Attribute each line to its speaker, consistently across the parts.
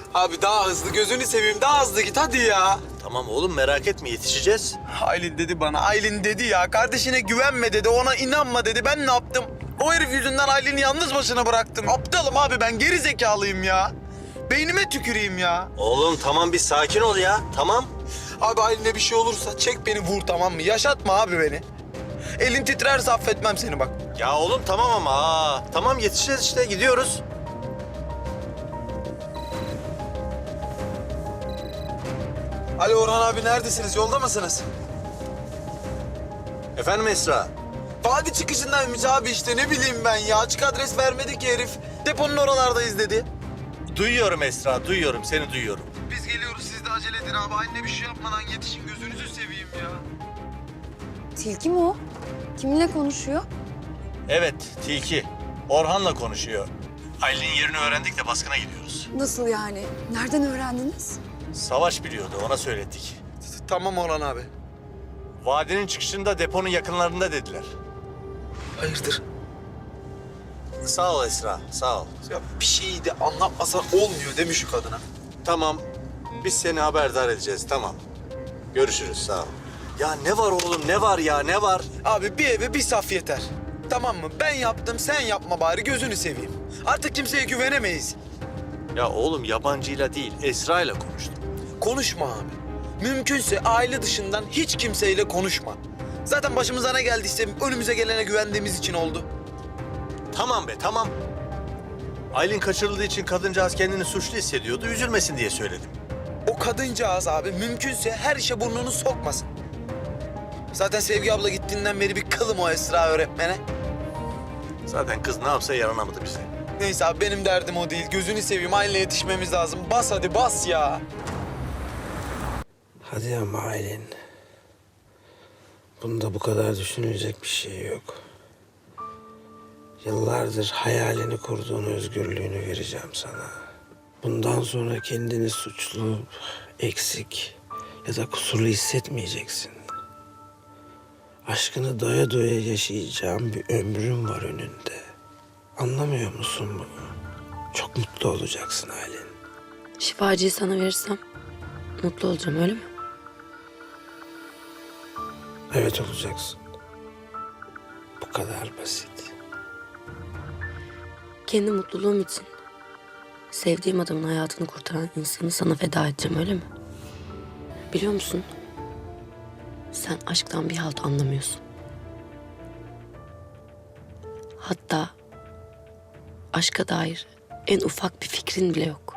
Speaker 1: Abi daha hızlı, gözünü seveyim, daha hızlı git hadi ya.
Speaker 2: Tamam oğlum merak etme yetişeceğiz.
Speaker 1: Aylin dedi bana, Aylin dedi ya. Kardeşine güvenme dedi, ona inanma dedi. Ben ne yaptım? O herif yüzünden Aylin'i yalnız başına bıraktım. Aptalım abi ben, geri zekalıyım ya. Beynime tüküreyim ya.
Speaker 2: Oğlum tamam bir sakin ol ya tamam.
Speaker 1: Abi Aylin'e bir şey olursa çek beni vur, tamam mı? Yaşatma abi beni. Elin titrerse affetmem seni bak.
Speaker 2: Ya oğlum tamam ama tamam yetişeceğiz işte gidiyoruz.
Speaker 1: Alo Orhan abi, neredesiniz? Yolda mısınız?
Speaker 2: Efendim Esra?
Speaker 1: Vadi çıkışındaymış abi işte, ne bileyim ben ya. Açık adres vermedi ki herif. Deponun oralardayız dedi.
Speaker 2: Duyuyorum Esra duyuyorum seni duyuyorum.
Speaker 1: Biz geliyoruz, siz de acele edin abi. Anne bir şey yapmadan yetişin, gözünüzü seveyim ya.
Speaker 3: Tilki mi o? Kiminle konuşuyor?
Speaker 2: Evet Tilki. Orhan'la konuşuyor. Aylin'in yerini öğrendik de baskına gidiyoruz.
Speaker 3: Nasıl yani? Nereden öğrendiniz?
Speaker 2: Savaş biliyordu ona söyledik.
Speaker 1: Tamam Orhan abi.
Speaker 2: Vadinin çıkışında deponun yakınlarında dediler.
Speaker 1: Hayırdır?
Speaker 2: Sağ ol Esra sağ ol.
Speaker 1: Ya bir şeyi de anlatmasan olmuyor değil mi şu kadına?
Speaker 2: Tamam biz seni haberdar edeceğiz tamam. Görüşürüz sağ ol. Ya ne var oğlum ne var ya ne var?
Speaker 1: Abi bir eve bir saf yeter. Tamam mı? Ben yaptım, sen yapma bari, gözünü seveyim. Artık kimseye güvenemeyiz.
Speaker 2: Ya oğlum yabancıyla değil Esra'yla konuştum.
Speaker 1: Konuşma abi. Mümkünse aile dışından hiç kimseyle konuşma. Zaten başımıza ne geldiyse önümüze gelene güvendiğimiz için oldu.
Speaker 2: Tamam be tamam. Aylin kaçırıldığı için kadıncağız kendini suçlu hissediyordu. Üzülmesin diye söyledim.
Speaker 1: O kadıncağız abi mümkünse her işe burnunu sokmasın. Zaten Sevgi abla gittiğinden beri bir kılım o Esra öğretmene.
Speaker 2: Zaten kız ne yapsa yaranamadı bize.
Speaker 1: Neyse abi, benim derdim o değil. Gözünü seveyim, aileye yetişmemiz lazım. Bas hadi bas ya.
Speaker 4: Hadi ama Aylin. Bunda bu kadar düşünülecek bir şey yok. Yıllardır hayalini kurduğun özgürlüğünü vereceğim sana. Bundan sonra kendini suçlu, eksik ya da kusurlu hissetmeyeceksin. Aşkını doya doya yaşayacağın bir ömrün var önünde. Anlamıyor musun bunu? Çok mutlu olacaksın Aylin.
Speaker 5: Şifacıyı sana verirsem mutlu olacağım öyle mi?
Speaker 4: Evet olacaksın. Bu kadar basit.
Speaker 5: Kendi mutluluğum için sevdiğim adamın hayatını kurtaran insanı sana feda edeceğim öyle mi? Biliyor musun? Sen aşktan bir halt anlamıyorsun. Hatta aşka dair en ufak bir fikrin bile yok.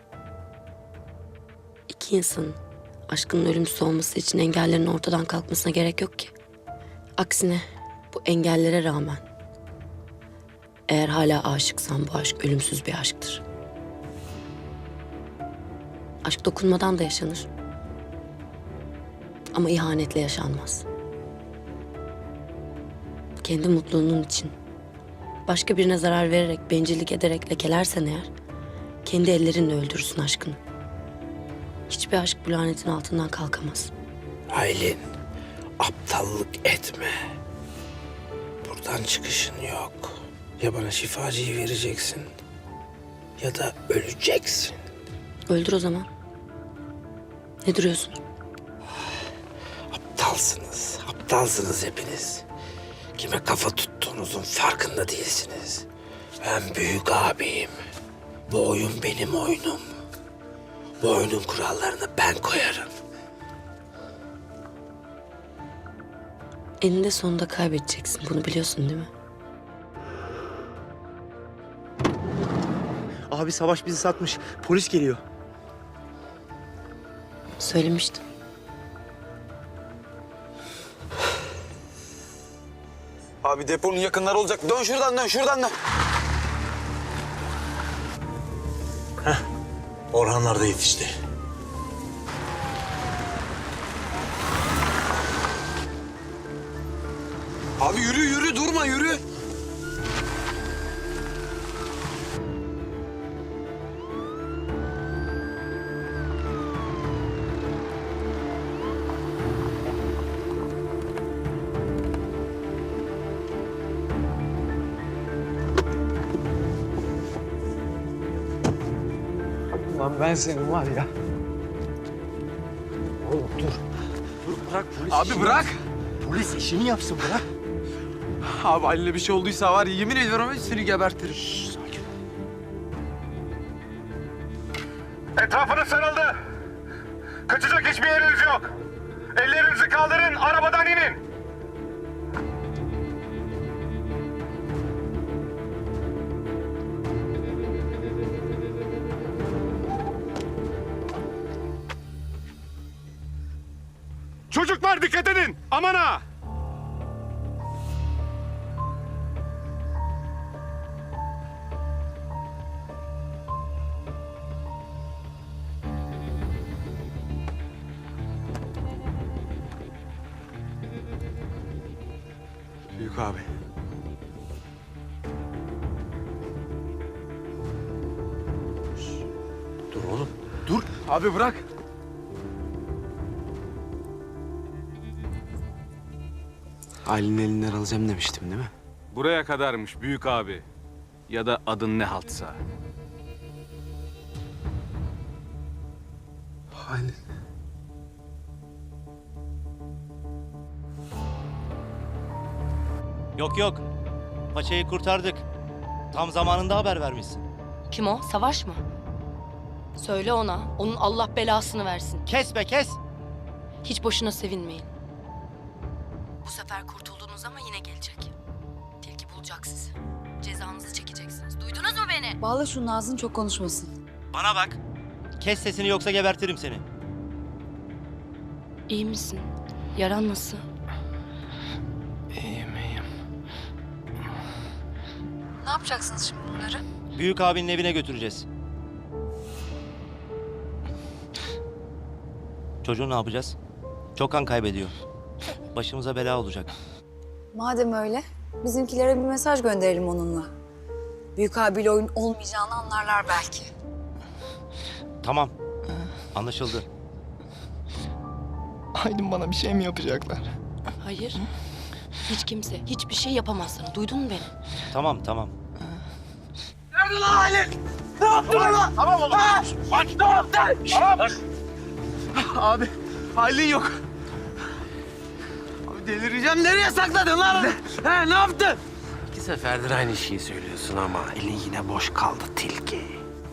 Speaker 5: İki insanın aşkının ölümsüz olması için engellerin ortadan kalkmasına gerek yok ki. Aksine bu engellere rağmen eğer hala aşıksan bu aşk ölümsüz bir aşktır. Aşk dokunmadan da yaşanır. Ama ihanetle yaşanmaz. Kendi mutluluğunun için başka birine zarar vererek, bencillik ederek lekelersen eğer kendi ellerinle öldürürsün aşkını. Hiçbir aşk bu lanetin altından kalkamaz.
Speaker 4: Aylin, aptallık etme. Buradan çıkışın yok. Ya bana şifacıyı vereceksin ya da öleceksin.
Speaker 5: Öldür o zaman. Ne duruyorsun?
Speaker 4: Aptalsınız hepiniz. Kime kafa tuttuğunuzun farkında değilsiniz. Ben büyük abiyim. Bu oyun benim oyunum. Bu oyunun kurallarını ben koyarım.
Speaker 5: Eninde sonunda kaybedeceksin. Bunu biliyorsun değil mi?
Speaker 6: Abi Savaş bizi satmış. Polis geliyor.
Speaker 5: Söylemiştim.
Speaker 1: Abi deponun yakınları olacak. Dön şuradan, dön şuradan dön.
Speaker 2: Orhanlar da yetişti.
Speaker 1: Abi yürü yürü, durma yürü. Lan ben senin var ya.
Speaker 6: Oğlum dur. Dur bırak polis
Speaker 1: Abi
Speaker 6: işini
Speaker 1: bırak.
Speaker 6: yapsın. Polis işini yapsın bırak.
Speaker 1: Abi Halil'e bir şey olduysa var ya yemin ediyorum seni gebertirim.
Speaker 6: Sakin ol.
Speaker 7: Etrafınız sarıldı. Kaçacak hiçbir yeriniz yok. Ellerinizi kaldırın, arabadan inin. Çocuklar dikkat edin, aman ha!
Speaker 1: Büyük abi.
Speaker 6: Dur oğlum.
Speaker 1: Dur. Abi bırak.
Speaker 4: Ailenin elinden alacağım demiştim değil mi?
Speaker 8: Buraya kadarmış büyük abi. Ya da adın ne haltsa.
Speaker 4: Halil.
Speaker 9: Yok yok. Paçayı kurtardık. Tam zamanında haber vermişsin.
Speaker 10: Kim o? Savaş mı? Söyle ona. Onun Allah belasını versin.
Speaker 9: Kes be kes.
Speaker 10: Hiç boşuna sevinmeyin. Bu sefer kurtuldunuz ama yine gelecek. Tilki bulacak sizi. Cezanızı çekeceksiniz. Duydunuz mu beni?
Speaker 3: Bağla şunun ağzını, çok konuşmasın.
Speaker 9: Bana bak. Kes sesini yoksa gebertirim seni.
Speaker 10: İyi misin? Yaran nasıl?
Speaker 4: İyiyim iyiyim.
Speaker 3: Ne yapacaksınız şimdi bunları?
Speaker 9: Büyük abinin evine götüreceğiz. Çocuğu ne yapacağız? Çok kan kaybediyor. Başımıza bela olacak.
Speaker 3: Madem öyle, bizimkilere bir mesaj gönderelim onunla. Büyük abiyle oyun olmayacağını anlarlar belki.
Speaker 9: Tamam. Anlaşıldı.
Speaker 6: Aydın bana bir şey mi yapacaklar?
Speaker 10: Hayır. Hiç kimse hiçbir şey yapamaz sana. Duydun mu beni?
Speaker 9: Tamam tamam.
Speaker 1: Abi Halil yok. Abi delireceğim. Nereye sakladın lan? He ne yaptın?
Speaker 4: İki seferdir aynı şeyi söylüyorsun ama elin yine boş kaldı tilki.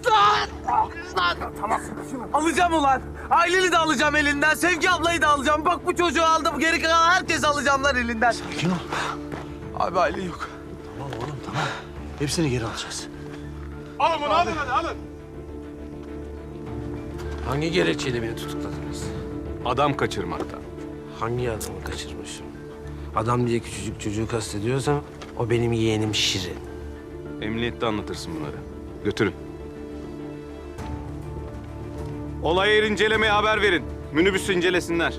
Speaker 1: Alacağım ulan. Halil'i de alacağım elinden. Sevgi ablayı da alacağım. Bak bu çocuğu aldım. Geri kalan herkes alacağım lan elinden.
Speaker 6: Sakin ol.
Speaker 1: Abi Halil yok.
Speaker 6: Tamam oğlum tamam. Hepsini geri alacağız.
Speaker 7: Alın bunu, alın hadi, alın.
Speaker 4: Hangi gerekçeyle beni tutukladınız?
Speaker 8: Adam kaçırmaktan.
Speaker 4: Hangi adamı kaçırmışım? Adam diye küçücük çocuğu kastediyorsam o benim yeğenim Şirin.
Speaker 8: Emniyette anlatırsın bunları. Götürün. Olay yeri incelemeye haber verin. Minibüsü incelesinler.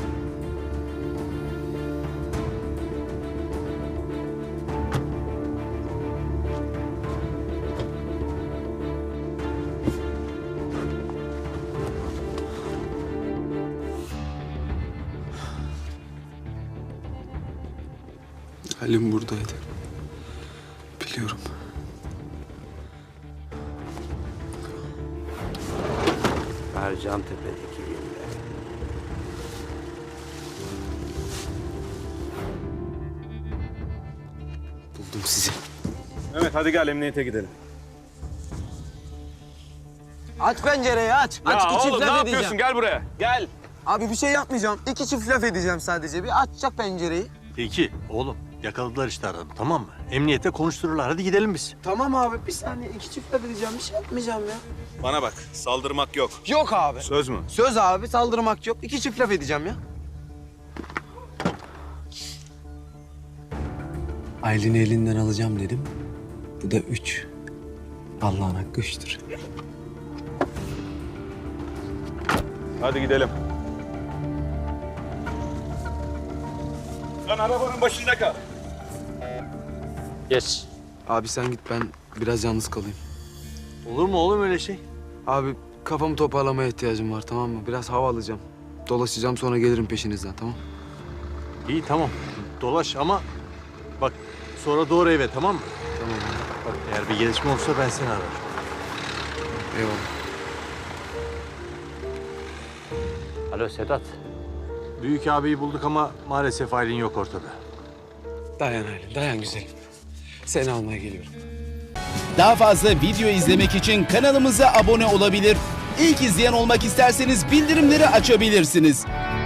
Speaker 11: Halim buradaydı. Biliyorum.
Speaker 4: Ercan Tepe'deki villa. Buldum sizi.
Speaker 8: Evet hadi gel emniyete gidelim.
Speaker 1: Aç pencereyi aç.
Speaker 8: Ya
Speaker 1: aç iki çift
Speaker 8: oğlum ne
Speaker 1: laf
Speaker 8: yapıyorsun?
Speaker 1: edeceğim.
Speaker 8: Gel buraya. Gel.
Speaker 1: Abi bir şey yapmayacağım. İki çift laf edeceğim sadece. Bir açacak pencereyi.
Speaker 2: Peki oğlum yakaladılar işte adamı tamam mı? Emniyete konuştururlar hadi gidelim biz.
Speaker 1: Tamam abi bir saniye. İki çift laf edeceğim. Bir şey yapmayacağım ya.
Speaker 8: Bana bak saldırmak yok.
Speaker 1: Yok abi.
Speaker 8: Söz mü?
Speaker 1: Söz abi saldırmak yok. İki çift laf edeceğim ya.
Speaker 11: Aylin'i elinden alacağım dedim. Bu da 3. Allah'ın hakkı 3'tür.
Speaker 8: Hadi gidelim. Sen arabanın başında kal.
Speaker 2: Geç.
Speaker 11: Abi sen git, ben biraz yalnız kalayım.
Speaker 2: Olur mu oğlum öyle şey?
Speaker 11: Abi kafamı toparlamaya ihtiyacım var, tamam mı? Biraz hava alacağım. Dolaşacağım, sonra gelirim peşinizden, tamam?
Speaker 2: İyi tamam dolaş ama bak sonra doğru eve tamam mı?
Speaker 11: Tamam abi.
Speaker 2: Bak eğer bir gelişme olursa ben seni ararım.
Speaker 11: Eyvallah.
Speaker 6: Alo Sedat.
Speaker 2: Büyük abiyi bulduk ama maalesef Aylin yok ortada.
Speaker 11: Dayan Aylin, dayan güzelim. Seni almaya geliyorum.
Speaker 12: Daha fazla video izlemek için kanalımıza abone olabilir. İlk izleyen olmak isterseniz bildirimleri açabilirsiniz.